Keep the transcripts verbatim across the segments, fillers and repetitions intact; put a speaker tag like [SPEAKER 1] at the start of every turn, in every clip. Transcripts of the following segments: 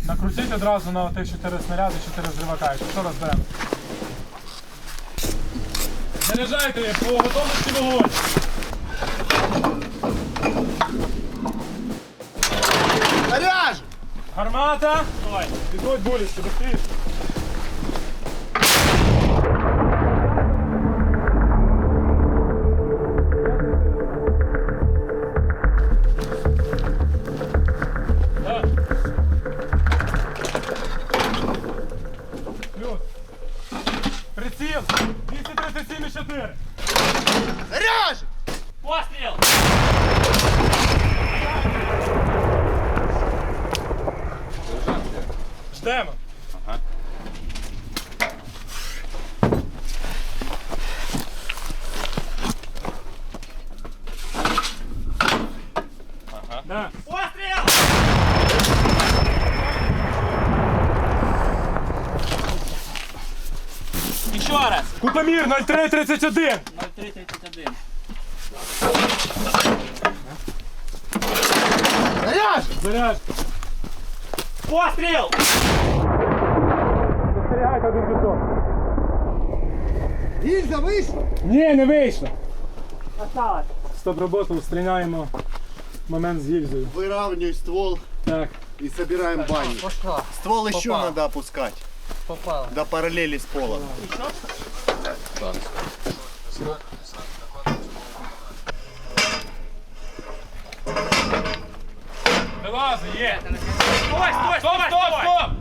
[SPEAKER 1] Накрутіть одразу на тих чотири снаряди, чотири зривака. Що розберемо? Заряджайте по готовності вогонь.
[SPEAKER 2] Заряж!
[SPEAKER 1] Гармата! Давай, підходь боліще, быстріше. Плюс. Приціл двісті тридцять сім і чотири.
[SPEAKER 2] Заряж!
[SPEAKER 3] Постріл!
[SPEAKER 1] Ждемо.
[SPEAKER 4] Ага. Ага.
[SPEAKER 1] Да.
[SPEAKER 3] Постріл! Еще раз.
[SPEAKER 1] Кутомір нуль три тридцять один.
[SPEAKER 3] ноль три тридцать один.
[SPEAKER 2] Заряж!
[SPEAKER 1] Заряж.
[SPEAKER 3] Постріл!
[SPEAKER 1] Застерігайте один пішов.
[SPEAKER 2] Гільза вийшла!
[SPEAKER 1] Ні, не вийшло.
[SPEAKER 3] Осталось.
[SPEAKER 1] Стоп роботу, устраняємо момент з гільзою.
[SPEAKER 2] Выравнивай ствол
[SPEAKER 1] Так.
[SPEAKER 2] и собираем баню.
[SPEAKER 5] Пошла.
[SPEAKER 2] Ствол еще
[SPEAKER 5] Попал.
[SPEAKER 2] надо опускать.
[SPEAKER 5] Попала.
[SPEAKER 2] До параллели с полом.
[SPEAKER 1] Вилази, є.
[SPEAKER 3] Стой, стой,
[SPEAKER 1] Стоп, стоп, стоп!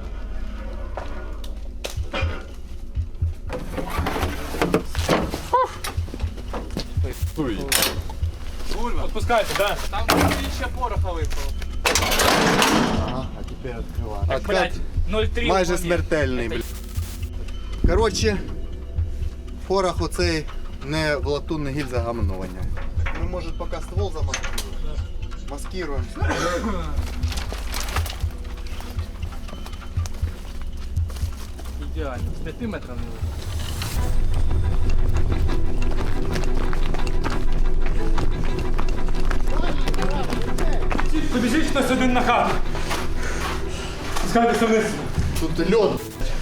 [SPEAKER 4] Стой.
[SPEAKER 1] Отпускайте, да.
[SPEAKER 5] Там тисяча пороха випало.
[SPEAKER 2] Ага, а теперь открываем.
[SPEAKER 3] Так, блядь, ноль три.
[SPEAKER 2] Майже
[SPEAKER 3] уклонив.
[SPEAKER 2] смертельний, блядь. Коротше, порох оцей не в латунне гільза гамно воняє. Ми, може, поки ствол замаскируємо. Маскируємо.
[SPEAKER 5] Ідеально. З п'яти метрів не вийшло.
[SPEAKER 1] Побіжіть хтось один на хату. Спускайтеся вниз.
[SPEAKER 2] Тут льод.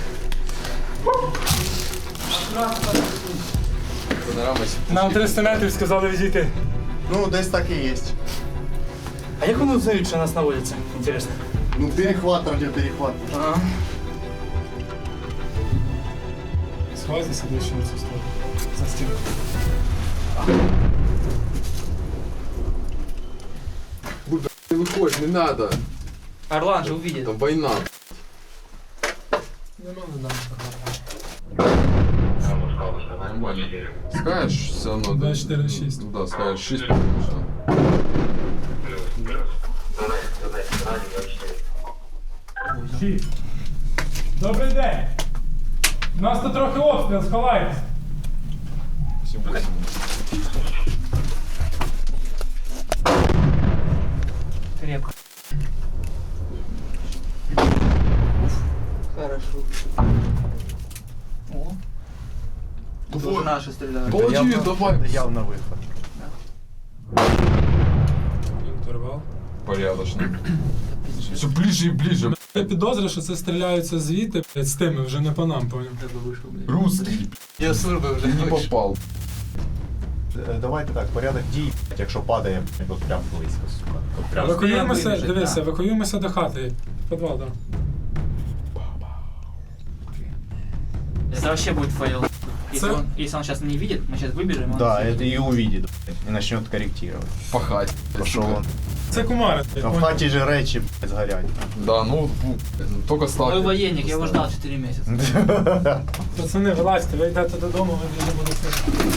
[SPEAKER 1] Нам триста метрів сказали відійти.
[SPEAKER 2] Ну, десь так і є.
[SPEAKER 3] А як вони знають, що нас наводяться? Інтересно.
[SPEAKER 2] Ну, перехват, радіоперехват.
[SPEAKER 3] Ага.
[SPEAKER 1] Сховайся сюди ще на цю сторону. За стінку.
[SPEAKER 4] Не выходь, не надо.
[SPEAKER 3] Орлан же увидит.
[SPEAKER 4] Там война. Нормально. Скажешь, все равно.
[SPEAKER 1] два, чотири, шість.
[SPEAKER 4] Ну да, скажешь шесть. Все.
[SPEAKER 1] Шість. Добрий день. У нас тут трохи обстріл, сховайтесь.
[SPEAKER 3] Крепко.
[SPEAKER 5] Хорошо.
[SPEAKER 3] О. Тоже наши стреляют.
[SPEAKER 4] Молодец, давай.
[SPEAKER 2] Це явно виход.
[SPEAKER 1] Турвал.
[SPEAKER 4] Порядочно. Все ближе и ближе.
[SPEAKER 1] Я підозрюю, що це стріляються звідти, блядь, з тими, вже не по нам, поняв.
[SPEAKER 4] Русский.
[SPEAKER 5] Я сурби вже
[SPEAKER 4] Не попал.
[SPEAKER 2] Давайте так, порядок дій, якщо падає, от прям близько, сука. От прям.
[SPEAKER 1] Евакуюємося,
[SPEAKER 3] вибіжить,
[SPEAKER 1] дивися,
[SPEAKER 3] да.
[SPEAKER 1] евакуюємося до хати. В підвал, так.
[SPEAKER 3] Это вообще будет фейл. Если
[SPEAKER 1] Це-
[SPEAKER 3] он, если он сейчас не видит, мы сейчас выбежим. он
[SPEAKER 2] Да,
[SPEAKER 3] видит.
[SPEAKER 2] это и увидит, и начнет корректировать.
[SPEAKER 4] Пахать.
[SPEAKER 2] Пошел он.
[SPEAKER 1] Це кумари.
[SPEAKER 2] А в хаті же речі, блядь, згорять.
[SPEAKER 4] Да, ну, ну, только
[SPEAKER 3] Мой
[SPEAKER 4] сталкер.
[SPEAKER 3] военник, я его ждал четыре месяца.
[SPEAKER 1] Пацани, вилазьте, ви йдете додому, ви дуже будете.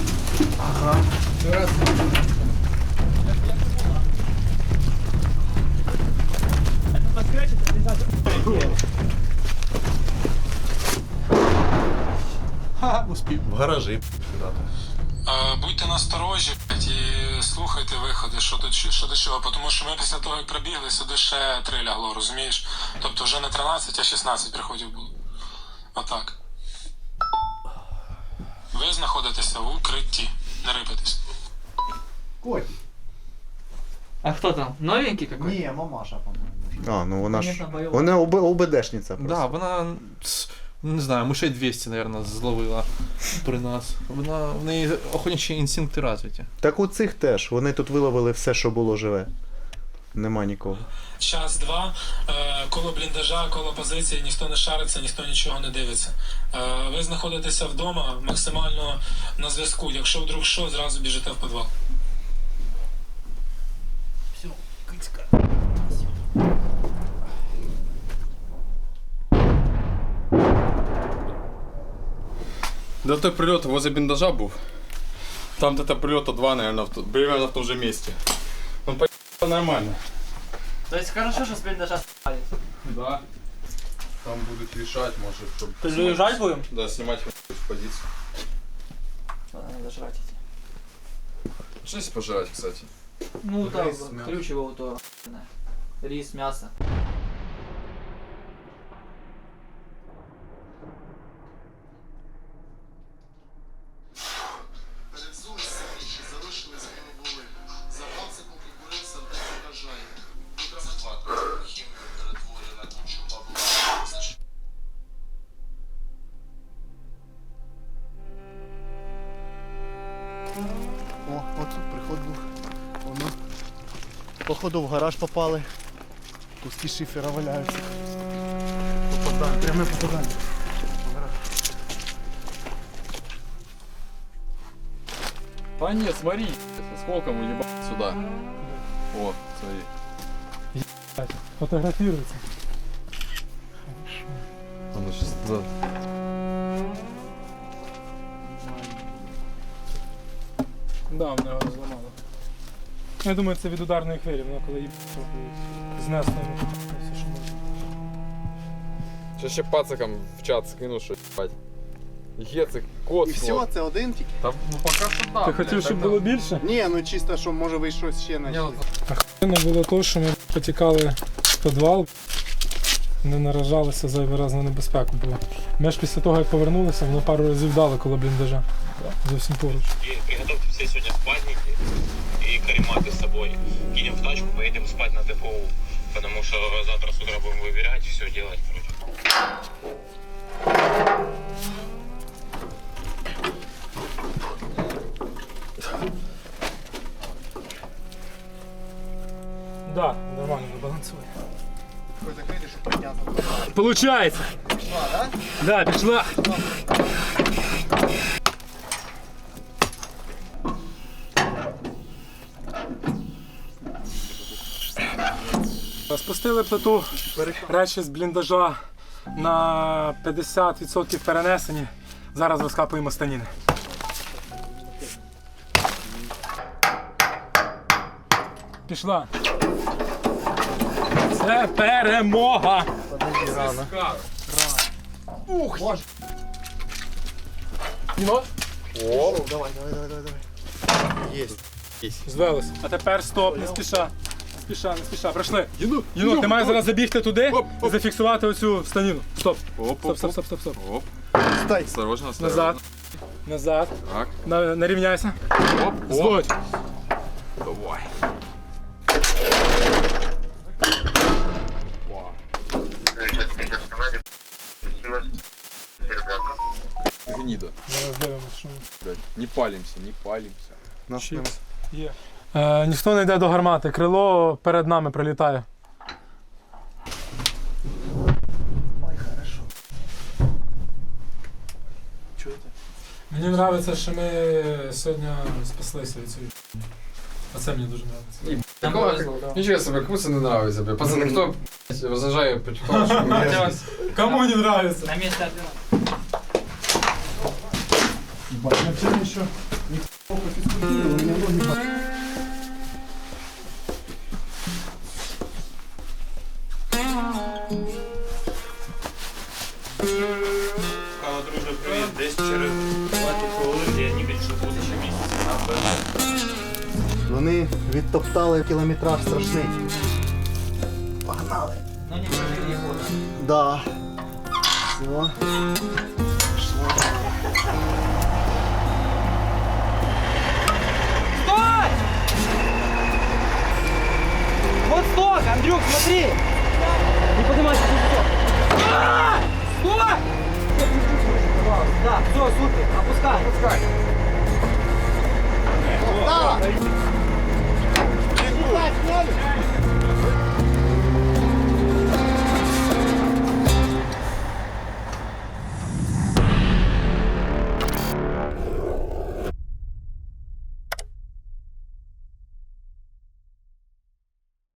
[SPEAKER 2] Ха, успів. В гаражі.
[SPEAKER 6] Будьте насторожі блядь, і слухайте виходи, що до, що до чого, тому що ми після того, як прибігли, сюди ще три лягло, розумієш? Тобто вже не тринадцять, а шістнадцять приходів було. Отак. Ви знаходитеся в укритті, не рипайтесь.
[SPEAKER 2] Котик.
[SPEAKER 3] А кто там? Новенький какой?
[SPEAKER 2] Ні, мамаша, по-моєму. А, ну вона ж.
[SPEAKER 5] Конечно, бойова.
[SPEAKER 2] Вона ОБ, ОБДшниця просто.
[SPEAKER 3] Да, вона, ц, не знаю, мишей двісті, мабуть, зловила при нас. Вона, в неї охотничі інстинкти розвиті.
[SPEAKER 2] Так у цих теж. Вони тут виловили все, що було живе. Нема нікого.
[SPEAKER 6] Час-два, е, коло бліндажа, коло позиції, ніхто не шариться, ніхто нічого не дивиться. Е, ви знаходитеся вдома, максимально на зв'язку. Якщо вдруг що, зразу біжите в підвал.
[SPEAKER 4] Да той прилет возле блиндажа был. Там где-то прилета два, наверное, в, т- примерно в том же месте. Он по нормально.
[SPEAKER 5] То есть хорошо, что с блиндажа с***ли.
[SPEAKER 4] Да. Там будут решать, может, чтобы...
[SPEAKER 5] Лежать будем?
[SPEAKER 4] Да, снимать в позицию.
[SPEAKER 5] Ладно, надо жрать идти.
[SPEAKER 4] Что если пожрать, кстати?
[SPEAKER 5] Ну там,
[SPEAKER 2] Рис, мясо.
[SPEAKER 5] ключ его то. Рис, мясо.
[SPEAKER 2] Перед зулицями ще залишились, коли були. Запал секунди курився, де вражає. Утро хімію перетворює на кучу бабла. О, от тут приход був. Воно. Походу в гараж попали. Куски шифера валяються. Попадання, пряме попадання.
[SPEAKER 4] Да нет, смотри, сколько мы ебать сюда. О, смотри.
[SPEAKER 1] Фотографируется.
[SPEAKER 4] Оно сейчас... Да.
[SPEAKER 1] Да, вона його зламала. Я думаю, це від ударної хвилі, вона коли її знесло йому все, що можна.
[SPEAKER 4] Сейчас ще пацакам в чат скину, що ебать. Гецик, кот.
[SPEAKER 2] І все, це один тільки?
[SPEAKER 4] Там, ну пока що да.
[SPEAKER 1] Ти хотів, щоб було більше?
[SPEAKER 2] Ні, ну чисто, що може ви щось ще знайшли.
[SPEAKER 1] Охуєнно було то, що ми потікали в підвал, не наражалися зайвий раз на небезпеку, бо ми ж після того, як повернулися, воно пару разів дали коло бліндажа. Зовсім поруч.
[SPEAKER 7] И приготовьте все сегодня спальники и карематы с собой. Кинем в тачку, поедем спать на ТФУ. Потому что завтра с утра будем выбирать, все делать, короче.
[SPEAKER 1] Да, нормально, балансує.
[SPEAKER 2] Хоч закрити, щоб підняти.
[SPEAKER 1] Получається!
[SPEAKER 2] Пішла, так?
[SPEAKER 1] Да, пішла! Спустили плиту, речі з бліндажа на п'ятдесят відсотків перенесені. Зараз розкапуємо станіни. Пішла. Це перемога!
[SPEAKER 2] Подожди, рано.
[SPEAKER 1] Ух!
[SPEAKER 2] О, давай, давай, давай, давай, давай. Єсть.
[SPEAKER 1] Звелось. А тепер стоп, не спіша. Не спіша, не спіша. Пройшли. Єнот, ти маєш зараз забігти туди і зафіксувати оцю станіну. Стоп.
[SPEAKER 4] Оп,
[SPEAKER 1] Стоп,
[SPEAKER 4] оп,
[SPEAKER 1] стоп,
[SPEAKER 4] оп.
[SPEAKER 1] стоп, стоп, стоп.
[SPEAKER 4] Оп.
[SPEAKER 2] Стай.
[SPEAKER 4] Осторожно, осторожно.
[SPEAKER 1] Назад. Назад.
[SPEAKER 4] Так.
[SPEAKER 1] На, нарівняйся.
[SPEAKER 4] Оп, оп.
[SPEAKER 1] Зводь.
[SPEAKER 4] Давай. Гнида.
[SPEAKER 1] Зараз дивимося, що ми.
[SPEAKER 4] Блядь. Не палимся, не палимся.
[SPEAKER 2] Нас
[SPEAKER 1] Чіпс.
[SPEAKER 2] нема.
[SPEAKER 1] Є. Е, ніхто не йде до гармати. Крило перед нами прилітає. Мені подобається, що ми сьогодні спаслися від цієї. А це мені дуже подобається.
[SPEAKER 4] Такого, ничего себе, кому не нравится, блядь. Пацаны, кто блядь, возражает потихонечку?
[SPEAKER 1] Кому не подобається?
[SPEAKER 5] На месте ордена.
[SPEAKER 1] Вообще еще
[SPEAKER 7] Алло, друже, привіт. Десь через двадцять хвилин я не більше буде ще місяць.
[SPEAKER 2] Вони відтоптали кілометраж страшний. Погнали.
[SPEAKER 5] Ну не прожили его, да?
[SPEAKER 2] Да. Все.
[SPEAKER 5] Стой! Вот сток, Андрюк, смотри! супер, опускай.
[SPEAKER 2] Опускай. Да.